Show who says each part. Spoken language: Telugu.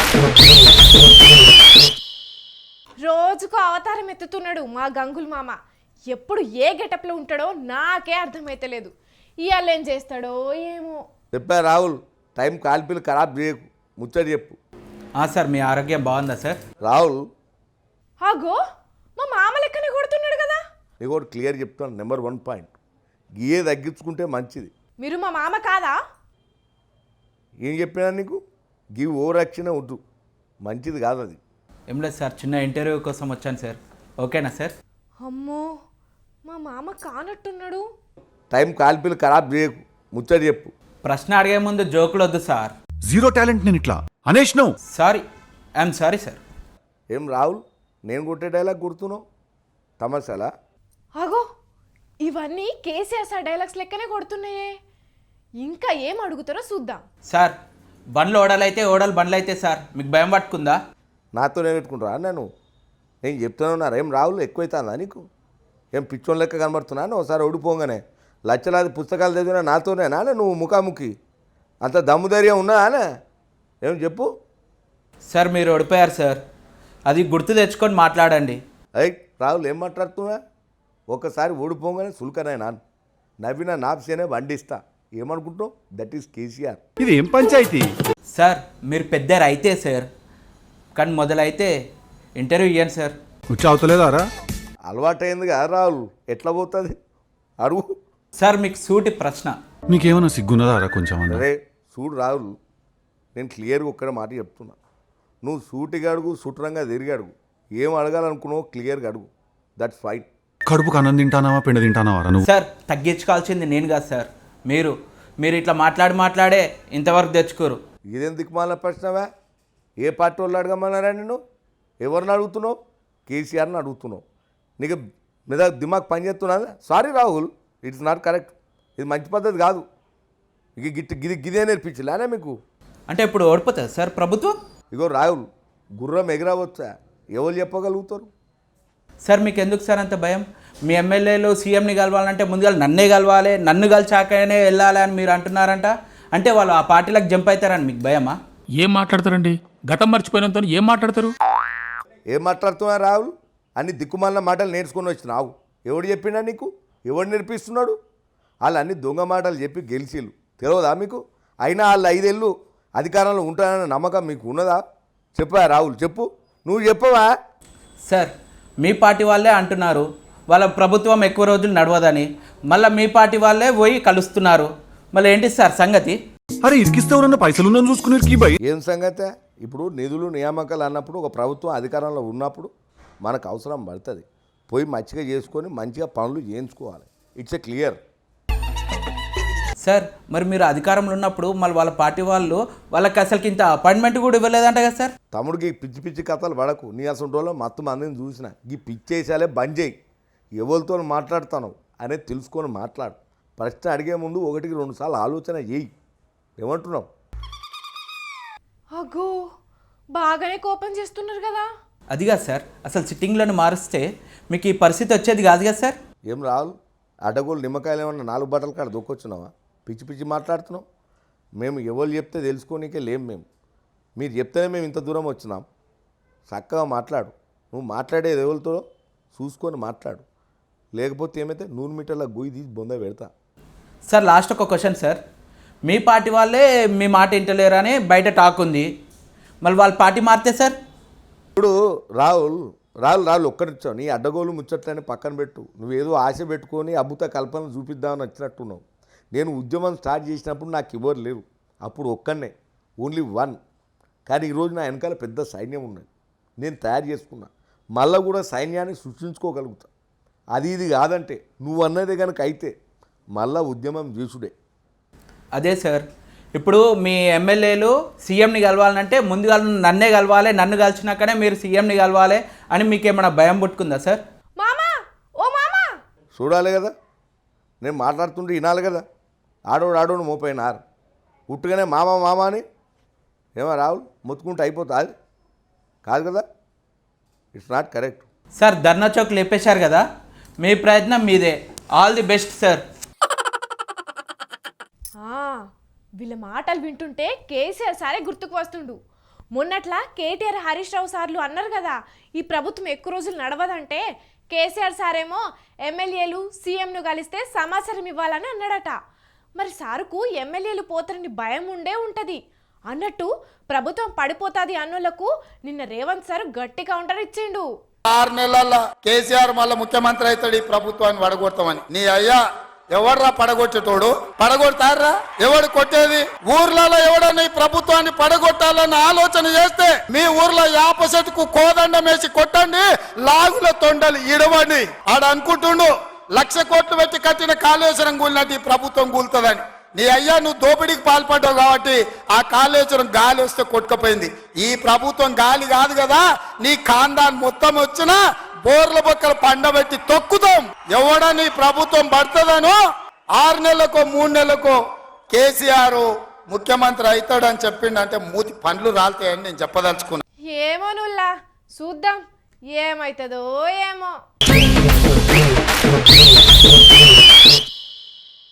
Speaker 1: రోజుకు అవతారం ఎత్తుతున్నాడు మా గంగుల్ మామ. ఎప్పుడు ఏ గెటప్లో ఉంటాడో నాకే అర్థమైతలేదు. ఇవాళ ఏం చేస్తాడో ఏమో.
Speaker 2: చెప్పా రాహుల్, టైం కాల్పిలు ఖరాబ్ చేయకు, ముచ్చడి చెప్పు.
Speaker 3: సార్ మీ ఆరోగ్యం బాగుందా సార్?
Speaker 2: రాహుల్,
Speaker 1: అగో మా మామ లెక్కనే కొడుతున్నాడు కదా.
Speaker 2: నీకు ఒకటి క్లియర్ చెప్తాను. నెంబర్ 1 పాయింట్, గీయే తగ్గించుకుంటే మంచిది.
Speaker 1: మీరు మా మామ కాదా?
Speaker 2: ఏం చెప్పినా నీకు? గీ ఓవర్ యాక్షన్ వద్దు, మంచిది కాదు అది.
Speaker 3: ఏం లేదు సార్, చిన్న ఇంటర్వ్యూ కోసం వచ్చాను సార్. ఓకేనా సార్?
Speaker 1: అమ్మో, మా మామ కానట్టున్నాడు.
Speaker 2: టైం కాల్పిలు ఖరాబ్ చేయకు, ముచ్చడి చెప్పు.
Speaker 3: ప్రశ్న అడిగే ముందు జోకులు వద్దు సార్.
Speaker 4: జీరో టాలెంట్ నేను ఇట్లా అనేష్ నువ్వు.
Speaker 3: Sorry, I'm sorry sir.
Speaker 2: ఏం రాహుల్, నేను కొట్టే డైలాగ్ గుర్తున్నావు? తమాషాలా?
Speaker 1: అగో ఇవన్నీ కేసీఆర్ సార్ డైలాగ్స్ లెక్కనే కొడుతున్నాయే. ఇంకా ఏం అడుగుతారో చూద్దాం.
Speaker 3: సార్ బండ్లు ఓడలైతే ఓడలు బండ్లు అయితే సార్ మీకు భయం పట్టుకుందా?
Speaker 2: నాతోనే పెట్టుకుంటారా? నేను చెప్తున్నాను. ఏం రాహుల్, ఎక్కువైతుందా నీకు? ఏం పిచ్చోన్ లెక్క కనబడుతున్నాను? ఒకసారి ఓడిపోగానే లక్షలాది పుస్తకాలు చదివినా నాతోనేనా నువ్వు ముఖాముఖి? అంత దమ్ముధైర్యం ఉన్నదానే? ఏం చెప్పు.
Speaker 3: సార్ మీరు ఓడిపోయారు సార్, అది గుర్తు తెచ్చుకొని మాట్లాడండి.
Speaker 2: అయ్ రాహుల్, ఏం మాట్లాడుతున్నా? ఒకసారి ఓడిపోగానే సుల్కనే నాను నవ్విన నాప్సేనే వండిస్తా. ఏమనుకుంటావు? That is KCR.
Speaker 4: ఇది ఏం పంచాయతీ?
Speaker 3: సార్ మీరు పెద్ద రైతే సార్, కానీ మొదలైతే ఇంటర్వ్యూ ఇవ్వండి సార్.
Speaker 4: వచ్చి అవుతలేదారా?
Speaker 2: అలవాటైంది కదా రాహుల్, ఎట్లా పోతుంది అడుగు.
Speaker 3: సార్ మీకు సూటి ప్రశ్న.
Speaker 4: నీకేమన్నా సిగ్గున్నదారా కొంచెం అన్న?
Speaker 2: అరే చూడు రాహుల్, నేను క్లియర్గా ఒక్కడ మాట చెప్తున్నా. నువ్వు సూటిగా అడుగు, సుట్రంగా తిరిగి అడుగు. ఏం అడగాలనుకున్నావు క్లియర్గా అడుగు. That's fine.
Speaker 4: కడుపుకు అన్నం తింటానావా పిండి తింటానావారా నువ్వు?
Speaker 3: సార్ తగ్గించుకోవాల్సింది నేను కాదు సార్, మీరు ఇట్లా మాట్లాడే ఇంతవరకు తెచ్చుకోరు.
Speaker 2: ఇదేం దిక్కుమాల ప్రశ్నవా? ఏ పార్టీ వాళ్ళు అడగమన్నారా నిన్ను? ఎవరిని అడుగుతున్నావు? కేసీఆర్ని అడుగుతున్నావు. నీకు మీద దిమాగ్ పనిచేస్తున్నదా? Sorry Rahul, it's not correct. ఇది మంచి పద్ధతి కాదు. ఇక గిదే నేర్పించలేనే మీకు?
Speaker 3: అంటే ఇప్పుడు ఓడిపోతుంది సార్ ప్రభుత్వం?
Speaker 2: ఇగో రాహుల్, గుర్రం ఎగరవచ్చా? ఎవరు చెప్పగలుగుతారు?
Speaker 3: సార్ మీకు ఎందుకు సార్ అంత భయం? మీ ఎమ్మెల్యేలు సీఎంని కలవాలంటే ముందుగా నన్నే కలవాలి, నన్ను కలిచాకనే వెళ్ళాలి అని మీరు అంటున్నారంట. అంటే వాళ్ళు ఆ పార్టీలకు జంప్ అవుతారని మీకు భయమా?
Speaker 5: ఏం మాట్లాడతారండి? గతం మర్చిపోయినంత ఏం మాట్లాడతారు?
Speaker 2: ఏం మాట్లాడుతున్నా రాహుల్? అన్ని దిక్కుమాలిన మాటలు నేర్చుకొని వచ్చినావు. ఎవడు చెప్పిండా నీకు? ఎవడు నేర్పిస్తున్నాడు? వాళ్ళు అన్ని దొంగ మాటలు చెప్పి గెలిచిళ్ళు, తెలియదా మీకు? అయినా వాళ్ళు 5 ఏళ్ళు అధికారంలో ఉంటారన్న నమ్మకం మీకు ఉన్నదా? చెప్పా రాహుల్, చెప్పు. నువ్వు చెప్పవా?
Speaker 3: సార్ మీ పార్టీ వాళ్ళే అంటున్నారు వాళ్ళ ప్రభుత్వం ఎక్కువ రోజులు నడవదని, మళ్ళీ మీ పార్టీ వాళ్ళే పోయి కలుస్తున్నారు. మళ్ళీ ఏంటి సార్ సంగతి?
Speaker 4: అరే ఇరికిస్తే ఎవరన్నా పైసలు చూసుకుని భయ్.
Speaker 2: ఏం సంగతే? ఇప్పుడు నిధులు నియామకాలు అన్నప్పుడు ఒక ప్రభుత్వం అధికారంలో ఉన్నప్పుడు మనకు అవసరం పడుతుంది. పోయి మంచిగా చేసుకొని మంచిగా పనులు చేయించుకోవాలి. It's a clear.
Speaker 3: సార్ మరి మీరు అధికారంలో ఉన్నప్పుడు మళ్ళీ వాళ్ళ పార్టీ వాళ్ళకి అసలుకి ఇంత అపాయింట్మెంట్ కూడా ఇవ్వలేదంట కదా సార్?
Speaker 2: తమ్ముడికి పిచ్చి పిచ్చి కథలు పడకు. నీ అసలు రోజుల్లో మొత్తం మందిని చూసిన ఈ పిచ్చేసాలే బంద్ చేయి. ఎవరితో మాట్లాడుతాను అనేది తెలుసుకొని మాట్లాడు. ప్రశ్న అడిగే ముందు 1-2 సార్లు ఆలోచన చేయి. ఏమంటున్నావు?
Speaker 1: అగో బాగానే కోపం చేస్తున్నారు కదా.
Speaker 3: అది కాదు సార్, అసలు సిట్టింగ్లను మారుస్తే మీకు ఈ పరిస్థితి వచ్చేది కాదు కదా సార్.
Speaker 2: ఏం రాహుల్, అడ్డగోలు నిమ్మకాయలు ఏమన్నా 4 బట్టల కాడ దొక్కొచ్చున్నావా? పిచ్చి పిచ్చి మాట్లాడుతున్నావు. మేము ఎవరు చెప్తే తెలుసుకోనికే లేం. మీరు చెప్తేనే మేము ఇంత దూరం వచ్చినాం. చక్కగా మాట్లాడు. నువ్వు మాట్లాడేది ఎవరితో చూసుకొని మాట్లాడు. లేకపోతే ఏమైతే 100 మీటర్ల గొయ్యి తీసి బొంద పెడతా.
Speaker 3: సార్ లాస్ట్ ఒక క్వశ్చన్ సార్, మీ పార్టీ వాళ్ళే మీ మాట వింటలేరు అని బయట టాక్ ఉంది, మళ్ళీ వాళ్ళ పార్టీ మారితే సార్?
Speaker 2: ఇప్పుడు రాహుల్ ఒక్కరిచ్చావు. నీ అడ్డగోలు ముచ్చట్లని పక్కన పెట్టు. నువ్వేదో ఆశ పెట్టుకొని అద్భుత కల్పనలు చూపిద్దామని వచ్చినట్టున్నావు. నేను ఉద్యమం స్టార్ట్ చేసినప్పుడు నాకు ఎవరు లేరు. అప్పుడు ఒక్కనే, ఓన్లీ 1. కానీ ఈరోజు నా వెనకాల పెద్ద సైన్యం ఉన్నది. నేను తయారు చేసుకున్నా. మళ్ళీ కూడా సైన్యాన్ని సృష్టించుకోగలుగుతా. అది ఇది కాదంటే నువ్వు అన్నదే కనుక అయితే మళ్ళా ఉద్యమం చేసుడే.
Speaker 3: అదే సార్, ఇప్పుడు మీ ఎమ్మెల్యేలు సీఎంని కలవాలంటే ముందుగా నన్నే కలవాలి, నన్ను కలిసినాకనే మీరు సీఎంని కలవాలి అని మీకు ఏమైనా భయం పుట్టుకుందా సార్?
Speaker 1: మామా, ఓ మామా,
Speaker 2: చూడాలి కదా, నేను మాట్లాడుతుంటే వినాలి కదా. ఆడోడు మోపోయినారు ఉట్టుగానే మామ అని ఏమో రాహుల్ మొత్తుకుంటే అయిపోతుంది కాదు కదా. It's not correct.
Speaker 3: Sir Dharna Chowk లేపేశారు కదా, మీ ప్రయత్నం మీదే. All the best sir.
Speaker 1: వీళ్ళ మాటలు వింటుంటే కేసీఆర్ సారే గుర్తుకు వస్తుండు. మొన్నట్లా కేటీఆర్ హరీష్ రావు సార్లు అన్నారు కదా ఈ ప్రభుత్వం ఎక్కువ రోజులు నడవదంటే కేసీఆర్ సారేమో ఎమ్మెల్యేలు సీఎంను కలిస్తే సమాచారం ఇవ్వాలని అన్నాడట. మరి సారుకు ఎమ్మెల్యేలు పోతారని భయం ఉండే ఉంటది అన్నట్టు ప్రభుత్వం పడిపోతాది అన్నోళ్లకు నిన్న రేవంత్ సార్ గట్టి కౌంటర్ ఇచ్చిండు.
Speaker 6: 6 నెలల్లో కేసీఆర్ మళ్ళీ ముఖ్యమంత్రి అవుతాడు ఈ ప్రభుత్వాన్ని పడగొడతామని. నీ అయ్యా ఎవర్రా పడగొట్టేటోడు? పడగొడతారా? ఎవడు కొట్టేది? ఊర్లలో ఎవడన్నా ఈ ప్రభుత్వాన్ని పడగొట్టాలన్న ఆలోచన చేస్తే మీ ఊర్లో యాప చెట్టుకు కోదండం వేసి కొట్టండి, లాగుల తొండలు ఇడవండి. ఆడ అనుకుంటుండు 1,00,000 కోట్లు పెట్టి కట్టిన కాళేశ్వరం కూలినట్టు ఈ ప్రభుత్వం కూలుతుందని. నీ అయ్యా నువ్వు దోపిడీకి పాల్పడ్డావు కాబట్టి ఆ కాళేశ్వరం గాలి వస్తే కొట్టుకుపోయింది. ఈ ప్రభుత్వం గాలి కాదు కదా, నీ ఖాందాన్ మొత్తం వచ్చినా బోర్ల బొక్కలు పండబెట్టి తొక్కుతాం. ఎవడని ప్రభుత్వం పడుతుందనో 6 నెలలకో 3 నెలలకో కేసీఆర్ ముఖ్యమంత్రి అవుతాడని చెప్పిండంటే మూతి పండ్లు రాలుతాయని నేను చెప్పదలుచుకున్నా.
Speaker 1: ఏమో నుల్లా చూద్దాం ఏమైతుందో ఏమో.